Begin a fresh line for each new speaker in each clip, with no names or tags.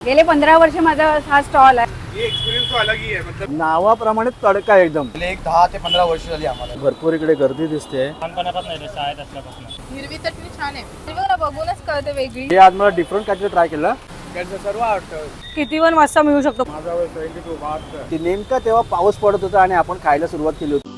गेले 15 वर्ष माझा हा स्टॉल आहे.
ये एक्सपीरियंस तो अलग ही है. मतलब
नावाप्रमाणे तडका एकदम.
एक 10 ते 15 वर्ष झाली आम्हाला.
भरपूर इकडे गर्दी दिसते.
लहानपणापासून शाळेत असल्यापासून.
हिरवी चटणी छान आहे. बघा बघूनच कळते वेगळी.
हे आज मला डिफरंट काहीतरी ट्राय केलं.
त्यांचं सर्व आवडतं.
किती पण वाजता मिळू शकतो.
माझा वय 22 22.
की नेमका तेव्हा पाऊस पडत होता आणि आपण खायला सुरुवात केली होती.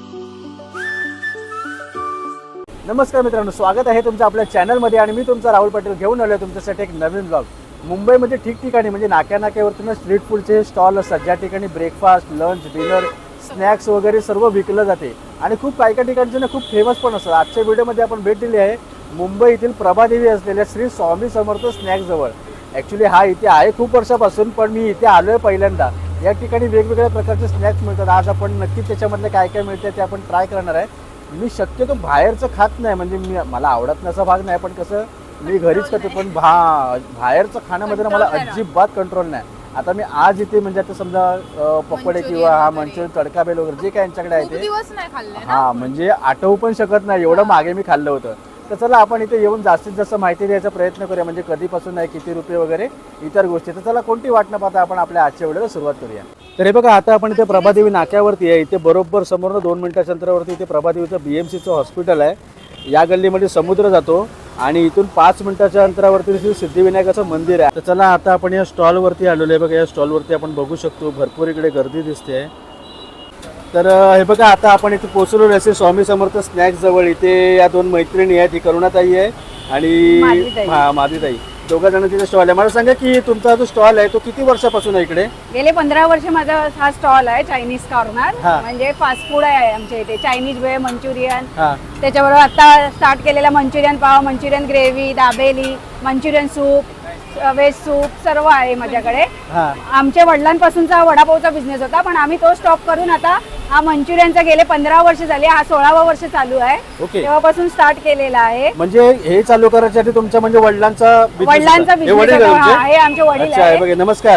नमस्कार मित्रांनो, स्वागत आहे तुमचं आपल्या चॅनलमध्ये आणि मी तुमचा राहुल पाटील घेऊन आलो तुमच्यासाठी एक नवीन ब्लॉग. मुंबईमध्ये ठिकठिकाणी म्हणजे नाक्यावरती स्ट्रीट फूडचे स्टॉल असतात, ज्या ठिकाणी ब्रेकफास्ट, लंच, डिनर, स्नॅक्स वगैरे सर्व विकलं जाते आणि खूप काही ठिकाणचे ना खूप फेमस पण असतात. आजच्या व्हिडिओमध्ये आपण भेट दिली आहे मुंबईतील प्रभादेवी असलेल्या श्री स्वामी समर्थ स्नॅक्सजवळ. ॲक्च्युली हा इथे आहे खूप वर्षापासून, पण मी इथे आलो आहे पहिल्यांदा. या ठिकाणी वेगवेगळ्या प्रकारचे स्नॅक्स मिळतात. आज आपण नक्कीच त्याच्यामधलं काय काय मिळते ते आपण ट्राय करणार आहे. मी शक्यतो बाहेरचं खात नाही, म्हणजे मला आवडत नसा भाग नाही, पण कसं मी घरीच खातो. पण बाहेरचं खाण्यामध्ये ना मला अजिबात कंट्रोल नाही. आता मी आज इथे म्हणजे आता समजा पकोडे किंवा हा मंचुरियन, तडका बेल वगैरे जे काय यांच्याकडे आहे ते म्हणजे आठवू पण शकत नाही, एवढं मागे मी खाल्लं होतं. तर चला आपण इथे येऊन जास्तीत जास्त माहिती द्यायचा प्रयत्न करूया, म्हणजे कधीपासून आहे, किती रुपये वगैरे इतर गोष्टी. तर चला कोणती वाट न पाहता आपण आपल्या आजच्या व्हिडिओला सुरुवात करूया. तर हे बघा, आता आपण इथे प्रभादेवी नाक्यावरती आहे. इथे बरोबर समोर 2 मिनिटाच्या अंतरावरती इथे प्रभादेवीचं BMCचं हॉस्पिटल आहे. या गल्लीमध्ये समुद्र जातो आणि इथून 5 मिनिटाच्या अंतरावरती श्री सिद्धिविनायकाचं मंदिर आहे. तर चला आता आपण या स्टॉलवरती आलेलो आहे. बघा, या स्टॉलवरती आपण बघू शकतो भरपूर इकडे गर्दी दिसते. तर हे बघा, आता आपण इथे पोहोचलो आहे स्वामी समर्थ स्नॅक्स जवळ. इथे या 2 मैत्रिणी आहेत, ही करुणाताई आहे आणि माधवीताई. दोघा जण तिथे स्टॉल आहे. मला सांगा की तुमचा जो स्टॉल आहे तो किती वर्षापासून आहे इकडे?
गेले 15 वर्ष माझा हा स्टॉल आहे. चायनीज कॉर्नर म्हणजे फास्ट फूड आहे आमच्या इथे. चायनीज वेळ, मंचुरियन, त्याच्याबरोबर आता स्टार्ट केलेला Manchurian pav, Manchurian gravy, dabeli, Manchurian soup, veg soup सर्व आहे माझ्याकडे. आमच्या वडिलांपासूनचा वडापावचा बिझनेस होता, पण आम्ही तो स्टॉप करून आता हा मंचुरियनचा गेले 15 वर्ष झाले, हा 16वा वर्ष चालू आहे. तेव्हापासून स्टार्ट केलेला आहे.
म्हणजे हे चालू करायसाठी तुमच्या म्हणजे वडिलांचा बिझनेस
आहे. आमचे वडील आहे.
नमस्कार.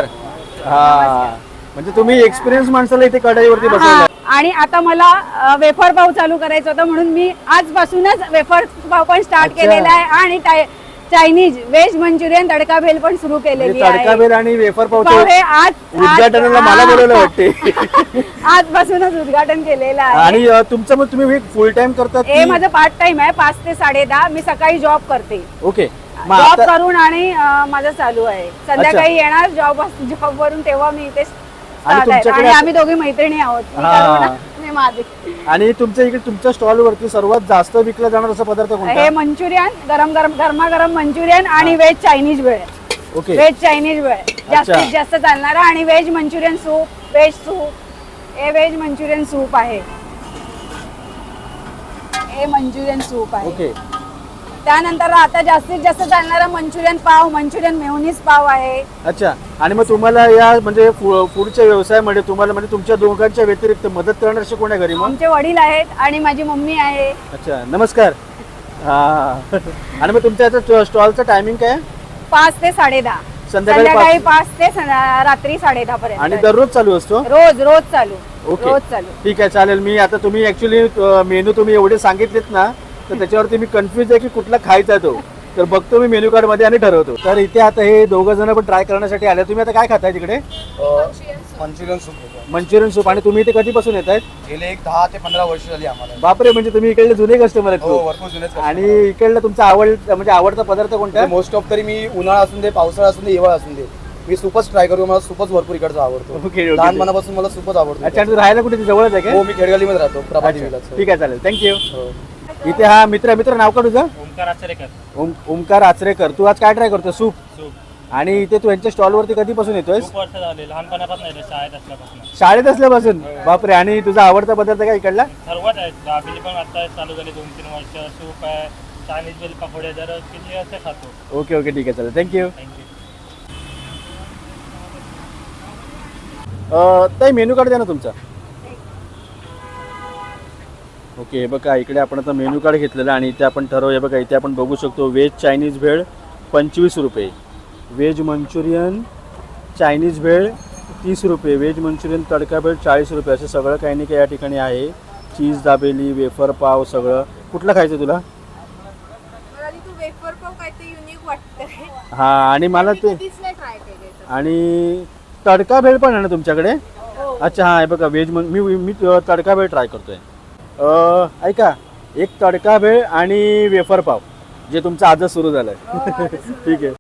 म्हणजे तुम्ही एक्सपिरियन्स माणसाला इथे कढईवरती बसवलं.
आणि आता मला वेफर पाव चालू करायचा होता, म्हणून मी आजपासूनच वेफर पाव पण स्टार्ट केलेला आहे आणि चायनीज व्हेज मंचुरियन तडका भेल पण सुरू केलेली आहे.
तडका भेल आणि वेफर पाव
हे आज
उद्घाटनाला मला बोलवलं वाटते.
आजपासूनच उद्घाटन केलेलं आहे.
आणि तुमचं मग तुम्ही फुल टाइम करतात?
हे माझं पार्ट टाइम आहे, 5 ते 10:30. मी सकाळी जॉब करते.
ओके.
जॉब करून आणि माझं चालू आहे. संध्याकाळी येणार जॉब वरून, तेव्हा मी इथे आणि आम्ही दोघी मैत्रिणी आहोत.
आणि तुमच्या इकडे तुमच्या स्टॉल वरती सर्वात जास्त विकला जाणार असा पदार्थ कोणता?
हे मंचुरियन, गरमागरम मंचुरियन आणि veg Chinese bhel.
Okay.
Veg Chinese bhel जास्तीत जास्त चालणारा. आणि veg Manchurian soup, veg soup, हे व्हेज मंचुरियन सूप आहे. हे मंचुरियन सूप आहे.
ओके.
त्यानंतर आता जास्तीत जास्त चालणारा मंचुरियन पाव, मंचुरियन मेयोनीज पाव आहे.
अच्छा. आणि मग तुम्हाला या म्हणजे फूडच्या व्यवसायामध्ये तुम्हाला म्हणजे तुमच्या दोघांच्या व्यतिरिक्त मदत करणारे कोण आहे घरी? मग
आमचे वडील आहेत आणि माझी मम्मी आहे.
अच्छा, नमस्कार. आणि मग तुमच्या स्टॉलचं टायमिंग काय?
5 ते 10:30. संध्याकाळी 5 ते रात्री 10:30 पर्यंत.
आणि दररोज चालू असतो?
रोज चालू.
ओके,
रोज चालू.
ठीक आहे, चालेल. मी आता तुम्ही ऍक्च्युली मेनू तुम्ही एवढे सांगितलेत ना, तर त्याच्यावरती मी कन्फ्युज आहे की कुठला खायचा तो. तर बघतो मी मेन्यू कार्ड मध्ये आणि ठरवतो. तर इथे आता हे 2 जण पण ट्राय करण्यासाठी आले. तुम्ही आता काय खाताय तिकडे?
Manchurian soup.
Manchurian soup. आणि तुम्ही इथे कधीपासून येत आहेत?
गेले एक 10 ते 15 वर्ष झाली आम्हाला.
बापरे, म्हणजे तुम्ही इकडले जुने कस्टमर आहेत.
भरपूर जुने.
आणि इकडला तुमचा आवडता पदार्थ कोणता?
मोस्ट ऑफ तरी मी उन्हाळा असून दे, पावसाळा असून दे, हिवाळा असून दे, मी सूपच ट्राय करू. मला सूपच भरपूर इकडचा आवडतो.
ओके.
लहानपणापासून मला सूपच आवडतो.
अच्छा, राहायला कुठे जवळच आहे का?
हो, मी खेडगलीमध्ये राहतो, प्रभादेवीला.
ठीक आहे, चालेल, थँक्यू. इथे हा मित्र नाव का तुझं?
ओमकार आचरेकर.
ओमकार आचरेकर. तू आज काय ट्राय करतो? सूप. आणि इथे तू यांच्या स्टॉल वरती कधीपासून येतोय?
खूप वर्ष झाले, लहानपणापासून शाळेत असल्यापासून.
शाळेत असल्यापासून? बापरे. आणि तुझा आवडता पदार्थ काय इकडला?
सर्वच आहेत. दाबेली पण आता चालू झाली 2-3 वर्ष. सूप आहे, चायनीज बेल, पकोडे, जर किती असे खातो.
ओके ओके, ठीक आहे, चालेल, थँक्यू. ताई, मेनू कार्ड द्या ना तुमचा. ओके. हे बघा, इकडे आपण आता मेनू कार्ड घेतलेलं आणि इथे आपण ठरवूया. बघा, इथे आपण बघू शकतो व्हेज चायनीज भेळ 25 रुपये, व्हेज मंचुरियन चायनीज भेळ 30 रुपये, व्हेज मंचुरियन तडका भेळ 40 रुपये. असं सगळं काही नाही काही या ठिकाणी आहे. चीज दाबेली, वेफर पाव, सगळं. कुठलं खायचं तुला?
वेफर पाव काय ते युनिक वाटतंय.
हां, आणि मला ते
ट्राय केले.
आणि तडका भेळ पण आहे ना तुमच्याकडे? अच्छा हां, हे बघा व्हेज मी मी तडका भेळ ट्राय करतोय. ऐका, एक तडका भेळ आणि वेफर पाव जे तुमचं आजच सुरू झालंय. ठीक आहे.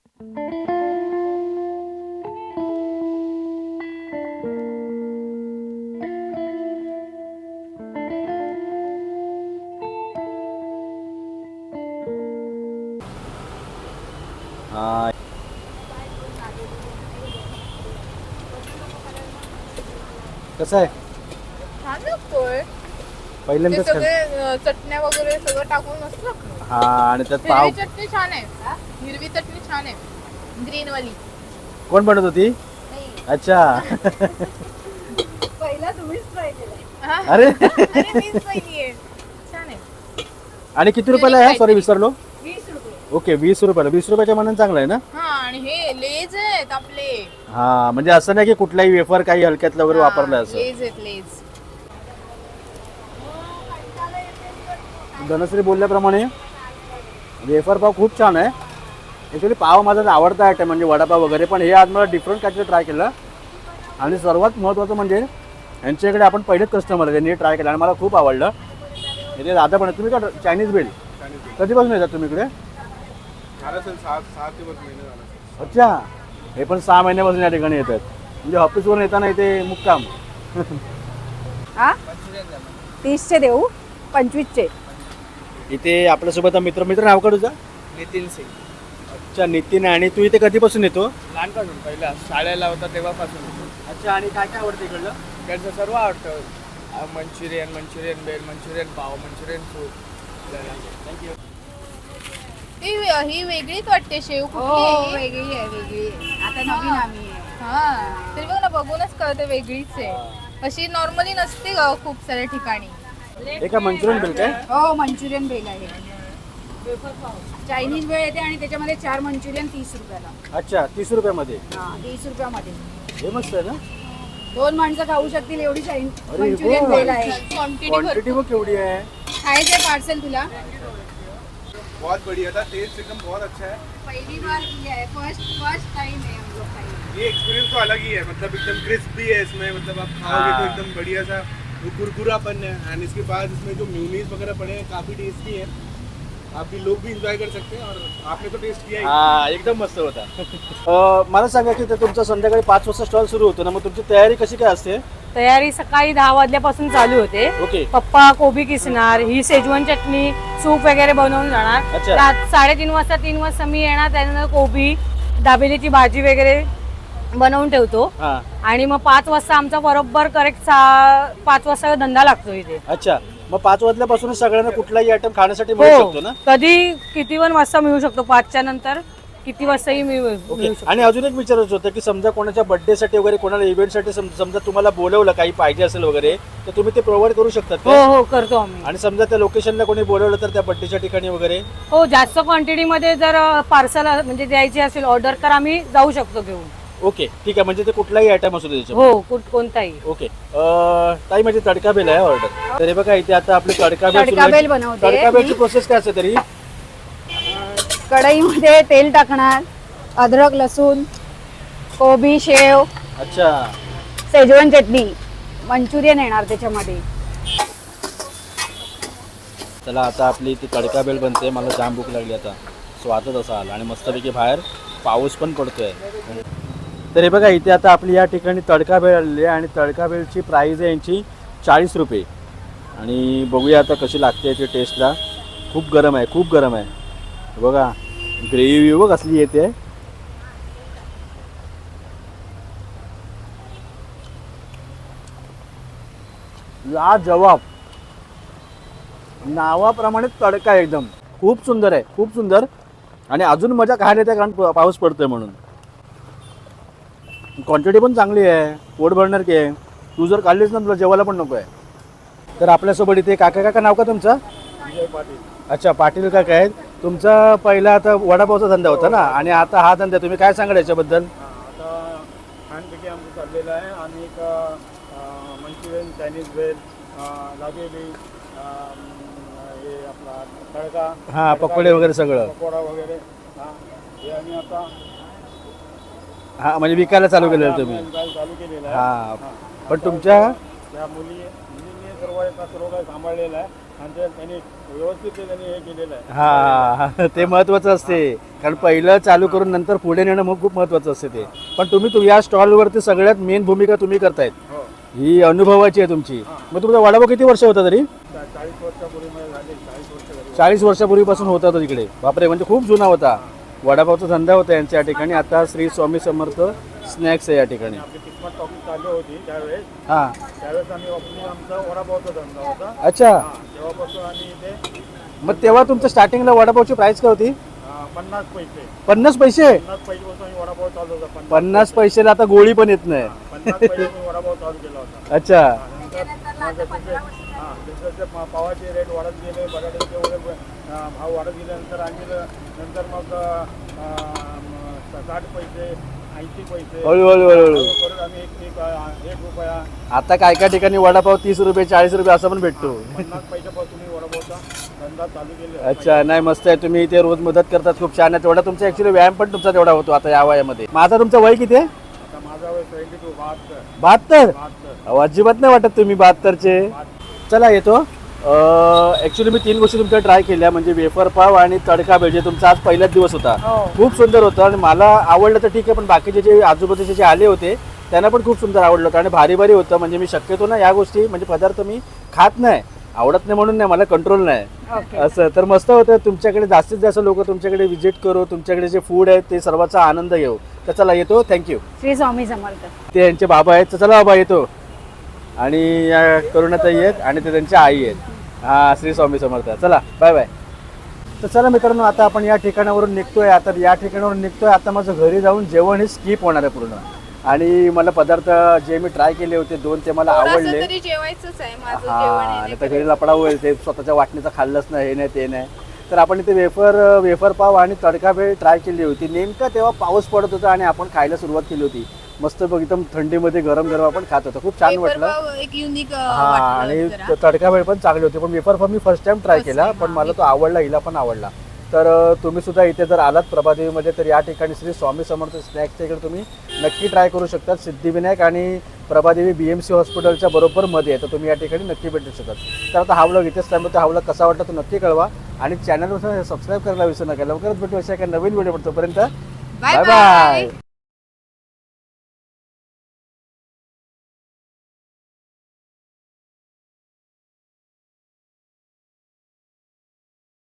हा, कसं आहे?
छान लागतोय. ते
पहिल्यांदाच
सगळे चटण्या वगैरे सगळं टाकून मस्त लागतं.
हा, आणि त्यात पाव
हिरवी चटणी छान आहे. हिरवी चटणी छान आहे. ग्रीन वाली.
कोण बनवत होती? अच्छा.
पहिला तुम्हीच ट्राय केला.
अरे
अरे मीच पहिली आहे. छान आहे.
आणि किती रुपयाला आहे? सॉरी विसरलो.
20 रुपये.
ओके, 20 रुपयाला. 20 रुपयाच्या मनाने चांगलं आहे ना?
हा, आणि हे लेज आहेत आपले.
हा, म्हणजे असं नाही की कुठलाही वेफर काही हलक्यातलं वगैरे वापरलं असं.
लेज आहेत लेज.
धनश्री बोलल्याप्रमाणे वेफर पाव खूप छान आहे. ॲक्च्युली पाव माझा आवडता आयटम म्हणजे वडापाव वगैरे, पण हे आज मला डिफरंट काहीतरी ट्राय केलं. आणि सर्वात महत्त्वाचं म्हणजे यांच्याकडे आपण पहिलेच कस्टमर यांनी ट्राय केलं आणि मला खूप आवडलं. इथे दादा पण तुम्ही का चायनीज बेल कधीपासून येतात तुम्ही इकडे? अच्छा, हे पण 6 महिन्यापासून या ठिकाणी येतात. म्हणजे ऑफिसवरून येताना इथे मुक्काम.
हा 30चे देऊ, 25चे.
इथे आपल्यासोबत मित्र नाव का तुझं?
नितीन सिंग.
अच्छा, नितीन. आणि तू इथे कधीपासून येतो?
लहानपासून पहिला शाळेला होता तेव्हापासून.
अच्छा, आणि काय काय आवडतं इकडलं?
इकडचं सर्व आवडतं. Manchurian bhel, Manchurian pav, Manchurian soup. Thank you.
ही वेगळीच वाटते शेव.
हो,
कुठली आहे?
वेगळी आहे, वेगळी आहे. आता नवीन आम्ही आहे.
हा, तरी बघ ना, बघूनच कळते वेगळीच आहे. अशी नॉर्मली नसते ग खूप साऱ्या ठिकाणी.
एका मंचुरियन बिल काय?
हो, मंचुरियन बेल आहे. चायनीज बेल येते आणि त्याच्यामध्ये 4 मंचुरियन 30 रुपयाला.
अच्छा, 30 रुपयामध्ये.
हा, 30 रुपयामध्ये
हे मस्त आहे ना?
2 माणसं खाऊ शकतील एवढी
अरे
मंचुरियन
वा.
बेल आहे.
क्वांटिटी बघ केवढी आहे.
खायचंय पार्सल तुला?
बहुत बढ़िया था, टेस्ट एकदम बहुत अच्छा है.
पहिली बार किया है, फर्स्ट टाइम है हम लोग खाई.
ये एक्सपीरियंस तो अलग ही है, मतलब एकदम क्रिस्पी है इसमें, मतलब आप खाओगे तो एकदम बढ़िया सा वो कुरकुरापन है. एंड इसके बाद इसमें जो म्यूनीस वगैरह पड़े हैं काफ़ी टेस्टी है. आप भी लोग भी इंजॉय कर सकते हैं और आपने तो टेस्ट किया ही.
हा, एकदम मस्त होता. मला सांगा की ते तुमचा संध्याकाळी 5 वाजता स्टॉल सुरू होतो ना, मग तुमची तयारी कशी काय असते?
तयारी सकाळी 10 वाजल्यापासून चालू होते.
ओके.
पप्पा कोबी किसणार, ही शेजवान चटणी, सूप वगैरे बनवून जाणार.
अच्छा.
3:30 वाजता 3 वाजता मी येणार. त्यानंतर कोबी दाबेलीची भाजी वगैरे बनवून ठेवतो.
हा,
आणि मग 5 वाजता आमचा बरोबर करेक्ट 5 वाजता धंदा लागतो इथे.
अच्छा. मग 5 वाजल्यापासूनच सगळ्यांना कुठलाही आयटम खाण्यासाठी मिळू
हो,
शकतो ना?
कधी किती पण वाजता मिळू शकतो. 5च्या नंतर किती वाजताही मिळू
ओके.
शकतो.
आणि अजून एक विचारायचं होतं की समजा कोणाच्या बर्थडेसाठी वगैरे कोणाला इव्हेंटसाठी समजा तुम्हाला बोलवलं काही पाहिजे असेल वगैरे तर तुम्ही ते प्रोव्हाइड करू शकतात
हो
का?
हो, करतो आम्ही.
आणि समजा त्या लोकेशनला कोणी बोलवलं तर त्या बर्थडेच्या ठिकाणी वगैरे?
हो, जास्त क्वांटिटीमध्ये जर पार्सल म्हणजे द्यायची असेल ऑर्डर तर आम्ही जाऊ शकतो घेऊन.
ओके, ठीक आहे. म्हणजे ते कुठलाही आयटम असू दे त्याच्यात.
हो, कोणताही.
ओके. ताई म्हणजे तडका बेल आहे ऑर्डर. तर हे बघा इथे आता आपली तडका बेल
तडका बेल बनवते
तडका बेलची
मी.
प्रोसेस काय असते तरी?
कढईमध्ये तेल टाकणार, अद्रक लसूण, कोबी, शेव,
अच्छा.
शेजवान चटणी, मंचुरियन येणार त्याच्यामध्ये.
चला आता आपली ती तडका बेल बनते. मला जाम भूक लागली आता. स्वादच असा आला आणि मस्तपैकी बाहेर पाऊस पण पडतोय. तर हे बघा इथे आता आपली या ठिकाणी तडका बेल आलेली आहे आणि तडका बेलची प्राईज आहे यांची 40 रुपये. आणि बघूया आता कशी लागते ती टेस्टला. खूप गरम आहे, खूप गरम आहे. बघा ग्रेव्ही बघ कसली येते. लाजवाब. नावाप्रमाणे तडका आहे एकदम. खूप सुंदर आहे, खूप सुंदर. आणि अजून मजा खायला येते कारण पाऊस पडतोय म्हणून. क्वांटिटी पण चांगली आहे, पोट भरणार की आहे. तू जर खाल्लीस ना तुला जेवायला पण नको आहे. तर आपल्यासोबत इथे काका नाव का तुमचं? अच्छा, पाटील काका आहेत. तुमचा पहिला आता वडापावचा धंदा होता ना आणि आता हा धंदा, तुम्ही काय सांगाल याच्याबद्दल?
आता छानपैकी आमचं चाललेलं आहे. आणि एक मंचुरियन, चायनीज बेल, दाबेली, हे आपला तडका,
हां, पकोडे वगैरे सगळं.
पकोडा वगैरे. हे आम्ही आता
हा म्हणजे विकायला चालू केलेलं तुम्ही
चालू केलेला आहे.
हा पण तुमच्या
त्या मुलींनी सर्व काही सांभाळलेलं आहे आणि त्यांनी व्यवस्थित त्यांनी हे केलेलं आहे.
हा ते महत्वाचं असते कारण पहिलं चालू करून नंतर पुढे नेणं मग खूप महत्वाचं असते ते. पण तुम्ही या स्टॉलवरती सगळ्यात मेन भूमिका तुम्ही करतायत,
हो.
ही अनुभवाची आहे तुमची. मग तुमचा वडापाव किती वर्ष होता तरी?
40 वर्षापूर्वी मला झाले, 40 वर्ष झाली.
40 वर्षापूर्वीपासून होता तो तिकडे. बापरे, म्हणजे खूप जुना होता वडापावचा धंदा होता यांच्या ठिकाणी. आता श्री स्वामी समर्थ स्नॅक्स आहे या ठिकाणी.
आपली किस्मत टॉकीज चालू होती त्यावेळेस
हा
आम्ही आमचा वडापावचा धंदा होता.
अच्छा,
तेव्हापासून आम्ही इथे
मग तेव्हा तुमच्या स्टार्टिंगला वडापावची प्राइस काय होती?
50 पैसे
50 पैसे.
50 पैसेपासून आम्ही वडापाव चालू होता.
50 पैशाला आता गोळी पण येत नाही.
50 पैसे वडापाव चालू केला होता.
अच्छा,
जसे पावाचे रेट वाढत गेले, बटाट्याचे वगैरे भाव वाढत गेल्यानंतर आम्ही नंतर मग 60 पैसे 80 पैसे
हळूहळू
करून आम्ही एक रुपया
आता काय काय ठिकाणी वडापाव 30 रुपये 40 रुपये असं पण भेटतो.
50 पैशापासून मी वडापावचा धंदा चालू केले.
अच्छा, नाही मस्त आहे. तुम्ही इथे रोज मदत करतात, खूप छान आहे. तेवढा तुमचा ऍक्च्युली व्यायाम पण तुमचा तेवढा होतो आता या वयामध्ये. माझा तुमचं वय किती आहे?
आता माझा वय 72
72.
72.
अजिबात नाही वाटत तुम्ही 72चे. चला येतो. ॲक्च्युली मी 3 गोष्टी तुमच्या ट्राय केल्या, म्हणजे वेफर पाव आणि तडका भेळ, जे तुमचा आज पहिलाच दिवस होता. खूप सुंदर होतं आणि मला आवडलं तर ठीक आहे, पण बाकीचे जे आजूबाजूचे जे आले होते त्यांना पण खूप सुंदर आवडलं होतं आणि भारी भारी होतं. म्हणजे मी शक्यतो ना या गोष्टी म्हणजे पदार्थ मी खात नाही, आवडत नाही म्हणून नाही, मला कंट्रोल नाही असं. तर मस्त होतं. तुमच्याकडे जास्तीत जास्त लोक तुमच्याकडे व्हिजिट करू, तुमच्याकडे जे फूड आहे ते सर्वांचा आनंद घेऊ. तर चला येतो. थँक्यू.
श्री स्वामी समर्थ.
ते यांचे बाबा आहेत. तर चला बाबा येतो. आणि या करुणाताई आहेत आणि ते त्यांच्या आई आहेत. हा, श्री स्वामी समर्थ. चला बाय बाय. तर चला मित्रांनो, आता आपण या ठिकाणावरून निघतोय. आता या ठिकाणावरून निघतोय. आता माझं घरी जाऊन जेवण हे स्किप होणार आहे पूर्ण. आणि मला पदार्थ जे मी ट्राय केले होते 2 ते मला आवडले.
तरी जेवायचंच आहे माझं जेवण
हा,
आहे
आणि तर घरी लपडा होईल ते स्वतःच्या वाटणीचं खाल्लंच नाही, हे नाही ते नाही. तर आपण इथे वेफर पाव आणि तडका भेळ ट्राय केली होती. नेमका तेव्हा पाऊस पडत होता आणि आपण खायला सुरुवात केली होती. मस्त बघ, एकदम थंडीमध्ये गरम गरम आपण खात होतो. खूप छान वाटलं.
एक युनिक
हा, आणि तडका भेळ पण चांगली होती. पण वेफर पाव मी फर्स्ट टाइम ट्राय केला, पण मला तो आवडला, हिला पण आवडला. तर तुम्ही सुद्धा इथे जर आलात प्रभादेवीमध्ये तर या ठिकाणी श्री स्वामी समर्थ स्नॅक्सच्या इकडे तुम्ही नक्की ट्राय करू शकता. सिद्धिविनायक आणि प्रभादेवी BMC हॉस्पिटलच्या बरोबर मध्ये आहे. तर तुम्ही या ठिकाणी नक्की भेटू शकतात. तर आता हा व्लॉग इथेच थांबवतो. हा व्लॉग कसा वाटला तो नक्की कळवा आणि चॅनलवर सबस्क्राईब करायला विसरू नका. लवकरच भेटू अशा एका नवीन व्हिडिओ. तोपर्यंत बाय बाय.